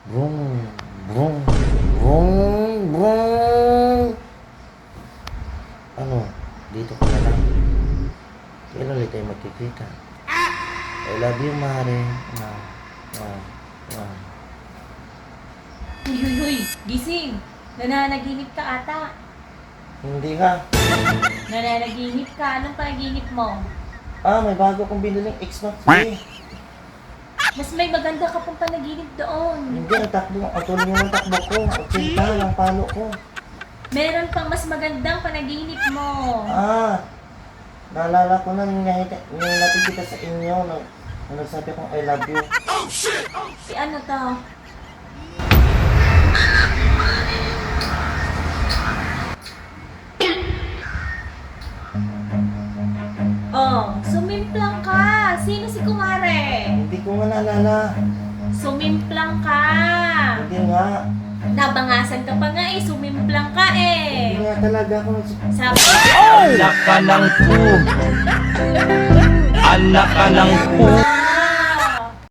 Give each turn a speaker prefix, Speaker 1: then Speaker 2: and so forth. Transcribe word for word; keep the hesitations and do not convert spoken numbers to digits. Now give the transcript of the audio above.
Speaker 1: Brum, brum, brum, brum. Ano? Dito ka na lang. Kailan ulit tayo magkikita? I love you, Mare. Ah, ah, ah.
Speaker 2: Huy, huy, huy! Gising! Nananaginip ka ata.
Speaker 1: Hindi ka.
Speaker 2: Nananaginip ka. Anong panaginip mo?
Speaker 1: Ah, may bago kong biniling X-Max. Eh.
Speaker 2: Mas may maganda ka pang panaginip doon.
Speaker 1: Hindi, ang takbo. Ang tuloy yung takbo ko. Ang sinta, ang palo ko.
Speaker 2: Meron pang mas magandang panaginip mo.
Speaker 1: Ah, naalala ko na yung nakita- yung nakikita sa inyo nung, nung nagsabi kong I love you.
Speaker 2: Si ano to? Oh, sumimplang ka. Sino si Kumare?
Speaker 1: Hindi ko nga naalala.
Speaker 2: Sumimplang ka.
Speaker 1: Hindi nga.
Speaker 2: Nabangasan ka pa nga eh. Sumimplang ka
Speaker 1: Hindi
Speaker 2: eh.
Speaker 1: nga talaga ako.
Speaker 2: Sabi
Speaker 3: Anak ka ng pu. Anak ka ng pu.